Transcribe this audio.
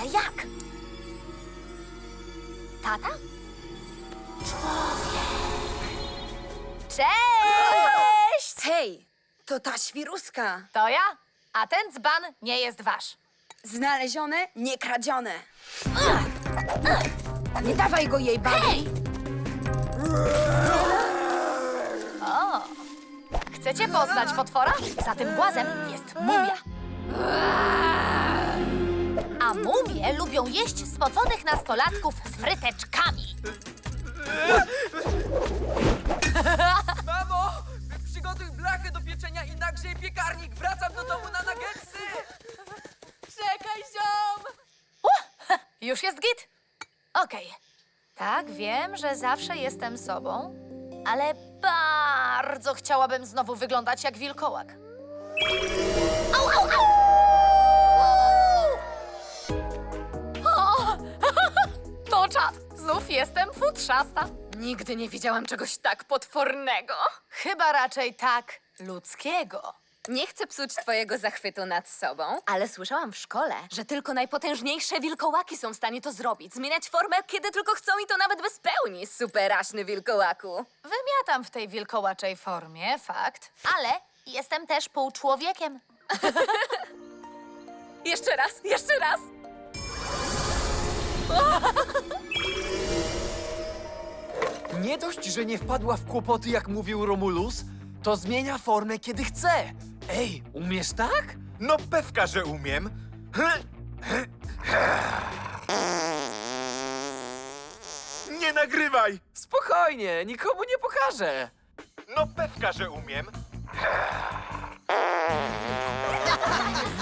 Ale jak? Tata? Cześć! Hej, to ta świruska. To ja, a ten dzban nie jest wasz. Znalezione, nie kradzione. Nie dawaj go jej, babi. Hej! O! Chcecie poznać potwora? Za tym głazem jest mumia. A mumie lubią jeść spoconych nastolatków z fryteczkami. Mamo! Przygotuj blachę do pieczenia i nagrzej piekarnik! Wracam do domu na nuggetsy! Czekaj, ziom! Już jest git? Okej. Tak, wiem, że zawsze jestem sobą, ale bardzo chciałabym znowu wyglądać jak wilkołak. Au, au, au! O! To czad! Znów jestem futrzasta. Nigdy nie widziałam czegoś tak potwornego. Chyba raczej tak ludzkiego. Nie chcę psuć twojego zachwytu nad sobą, ale słyszałam w szkole, że tylko najpotężniejsze wilkołaki są w stanie to zrobić. Zmieniać formę, kiedy tylko chcą i to nawet bez pełni, superaśny wilkołaku. Wymiatam w tej wilkołaczej formie, fakt, ale jestem też półczłowiekiem. Jeszcze raz, jeszcze raz. Nie dość, że nie wpadła w kłopoty, jak mówił Romulus, to zmienia formę, kiedy chce. Ej, umiesz tak? No pewka, że umiem. Nie nagrywaj! Spokojnie, nikomu nie pokażę. No pewka, że umiem.